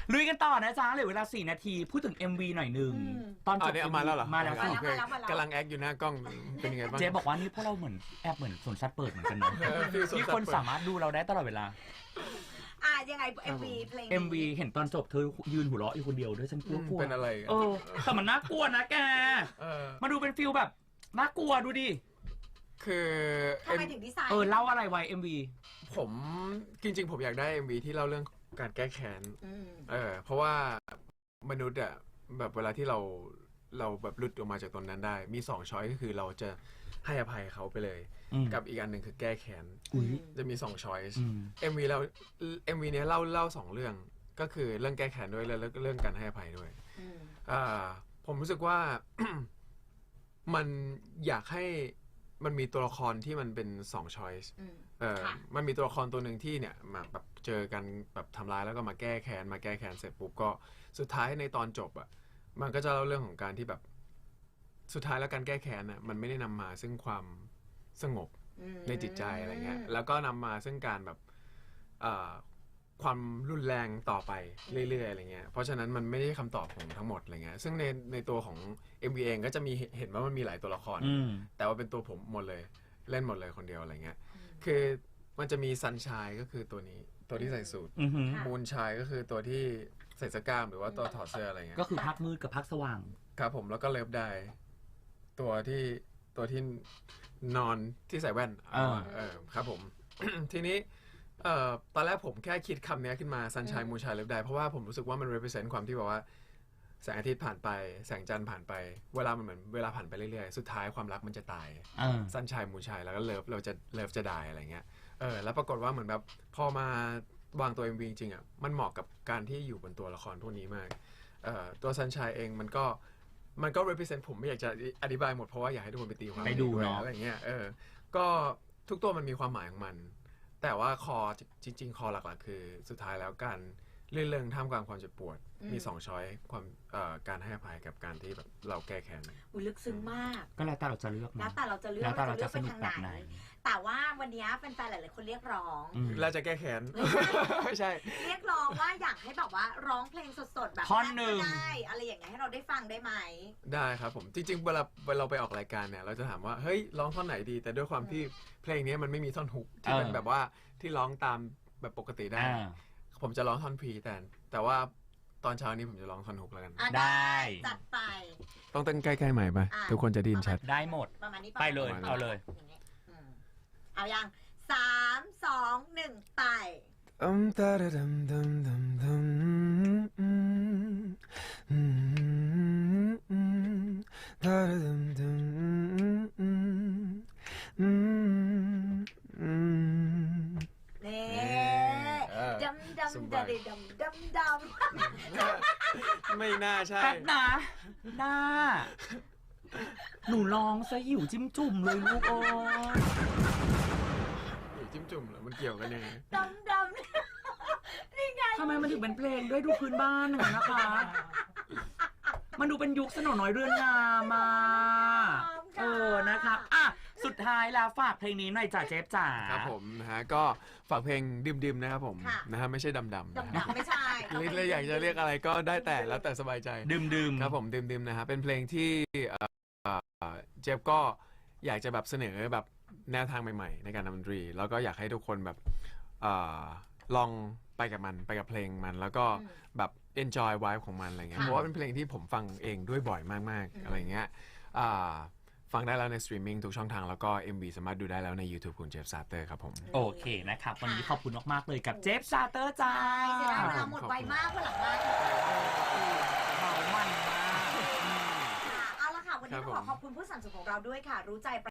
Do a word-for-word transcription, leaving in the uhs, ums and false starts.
ลุยกันต่อนะจ๊ะเหลือเวลาสี่นาทีพูดถึง เอ็ม วี หน่อยหนึงตอนจอ๋บอเนี่ยเอามาแล้วเหรอมาแล้วสิกำลังแอคอยู่หน้ากล้องเป็นยังไงบ้างเจ๊บอกว่านี่พวกเราเหมือนแอบเหมือนสวนสัตว์เปิดเหมือนกันเนาะเออฟีลสวนสัตว์ที่คนสามารถดูเราได้ตลอดเวลาอ่ะยังไง เอ็ม วี เพลงเอ็ม วี เห็นตอนจบเธอยืนหัวเราะอยู่คนเดียวด้วยฉันกลัวกลัวเป็นอะไรเออแต่มันน่ากลัวนะแกเออมาดูเป็นฟิลแบบน่ากลัวดูดิคือทำไมถึงดีไซน์เออเล่าอะไรไว้ เอ็ม วีผมจริงๆผมอยากได้ เอ็ม วี ที่เล่าเรื่องการแก้แค้นอืมเออเพราะว่ามนุษย์อะแบบเวลาที่เราเราแบบหลุดออกมาจากตรงนั้นได้ มีสองช้อยก็คือเราจะให้อภัยเขาไปเลยอืมกับอีกอันหนึ่งคือแก้แค้นอุ๊ยจะมีสองช้อยส์อืมเอ็ม วี เรา เอ็ม วี เนี้ยเล่าเล่าสองเรื่องก็คือเรื่องแก้แค้นด้วยแล้วก็เรื่องการให้อภัยด้วยอืมอ่าผมรู้สึกว่า มันอยากให้มันมีตัวละครที่มันเป็นสองช้อยส์อืมเออค่ะมันมีตัวละครตัวหนึ่งที่เนี่ยมาแบบเจอกันแบบทำร้ายแล้วก็มาแก้แค้นมาแก้แค้นเสร็จปุ๊บก็สุดท้ายในตอนจบอ่ะมันก็จะเล่าเรื่องของการที่แบบสุดท้ายแล้วการแก้แค้นอ่ะมันไม่ได้นำมาซึ่งความสงบอืมในจิตใจอะไรเงี้ยแล้วก็นำมาซึ่งการแบบอ่าความรุนแรงต่อไปเรื่อยๆอะไรเงี้ยเพราะฉะนั้นมันไม่ได้คำตอบของทั้งหมดอะไรเงี้ยซึ่งในในตัวของ เอ็ม วี เองก็จะมีเห็นว่ามันมีหลายตัวละครอืมแต่ว่าเป็นตัวผมหมดเลยเล่นหมดเลยคนเดียวอะไรเงี้ยคือมันจะมีซันชายก็คือตัวนี้ตัวที่ใส่สูทอือหือมูนชายก็คือตัวที่ใส่เสื้อกล้ามหรือว่าตัวถอดเสื้ออะไรเงี้ยก็คือพักมืดกับพักสว่างครับผมแล้วก็เลิฟได้ตัวที่ตัวที่นอนที่ใส่แว่นอ่าเออครับผม ทีนี้เอ่อตอนแรกผมแค่คิดคำนี้ขึ้นมาซันชายมูนชายเลิฟได้เพราะว่าผมรู้สึกว่ามัน represent ความที่แบบว่าแสงอาทิตย์ผ่านไปแสงจันทร์ผ่านไปเวลามันเหมือนเวลาผ่านไปเรื่อยๆสุดท้ายความรักมันจะตายเออซันชายมูนชายแล้วก็เลิฟเราจะเลิฟจะได้อะไรเงี้ยเออแล้วปรากฏว่าเหมือนแบบพอมาวางตัว เอ็ม วี จริงๆอ่ะมันเหมาะกับการที่อยู่บนตัวละครพวกนี้มากเอ่อตัวซันชายเองมันก็มันก็ represent ผมไม่อยากจะอธิบายหมดเพราะว่าอยากให้ทุกคนไปตีความไปดูวยเนาะอะไรเงี้ยเออก็ทุกตัวมันมีความหมายของมัน แต่ว่าคอจริงๆคอหลักๆคือสุดท้ายแล้วการเรื่องเรื่องท่ามกลางความเจ็บปวดมีสองช้อยความเอ่อการให้อภัยกับการที่แบบเราแก้แค้นอุ้ยลึกซึ้งมากก็แล้วแต่เราจะเลือกแล้วนะแต่เราจะเลือกแล้วแต่เราว่าจะสเลืนุอก กแบไปบทางไหไหนน แต่ว่าวันนี้แฟนๆหลายๆคนเรียกร้องอืมเราจะแก้แค้น ไม่ใช่เรียกร้องว่าอยากให้แบบว่าร้องเพลงสดๆแบบท่อนหนึ่งก็ได้อะไรอย่างเงี้ยให้เราได้ฟังได้ไหมได้ครับผมจริงๆเวลาเวลาเราไปออกรายการเนี่ยเราจะถามว่าเฮ้ยร้องท่อนไหนดี แต่ด้วยความที่เพลงนี้มันไม่มีท่อนฮุกที่เป็นเออแบบว่าที่ร้องตามแบบปกติได้อ่าผมจะร้องท่อนพรีแต่แต่ว่าตอนเช้านี้ผมจะร้องท่อนฮุกแล้วกันอ่ะได้จัดไปต้องเต้นใกล้ๆใหม่ปะอ่ะทุกคนจะได้ยินชัดได้หมดประมาณนี้ไปเลยประมณนี้เอาเลยอย่างงี้อืมเอายังสามสองหนึ่งไปอืมตาดดำดำดำดำอืมอืมอืมตาดดำดำอืมอืมอืมนี่เออดำดำสดบายำดำดำดำไม่น่าใช่แป๊บนะหน้า หนูลองซะหิวจิ้มจุ่มเลยลูกโอ้ยอยู่จิ้มจุ่มเหรอมันเกี่ยวกันยังไงดำดำนี่ไงทำไมมันถึงเป็นเพลงด้วยดูพื้นบ้านหนึ่งนะคะ มันดูเป็นยุคสนอน้อยเรือนงามมาเออนะครับอ่ะสุดท้ายแล้วฝากเพลงนี้หน่อยจ้ะเจฟจ๋าครับผมนะฮะก็ฝากเพลงดิมๆนะครับผมนะฮะไม่ใช่ดำๆนะดำดำไม่ใช่เรียกเลยอยากจะเรียกอะไรก็ได้แต่แล้วแต่สบายใจดื่มดื่มครับผมดิมๆนะฮะเป็นเพลงที่เอ่อเจฟก็อยากจะแบบเสนอแบบแนวทางใหม่ๆ ในการทำดนตรี แล้วก็อยากให้ทุกคนแบบเอ่อลองไปกับมันไปกับเพลงมัน แล้วก็แบบ enjoy vibe ของมันอะไรเงี้ยเพราะว่าเป็นเพลงที่ผมฟังเองด้วยบ่อยมากๆอะไรเงี้ยอ่าฟังได้แล้วในสตรีมมิ่งทุกช่องทางแล้วก็ เอ็ม วี สามารถดูได้แล้วใน YouTube คุณเจฟซาเตอร์ครับผมโอเคนะครับ วันนี้ขอบคุณมากๆเลยกับเจฟซาเตอร์จ้าเสียดายเวลาหมดไวมากวันหลังมาเมามันมากค่ะเอาละค่ะ วันนี้ครับต้องขอผมขอบคุณผู้สนับสนุนของเราด้วยค่ะ รู้ใจ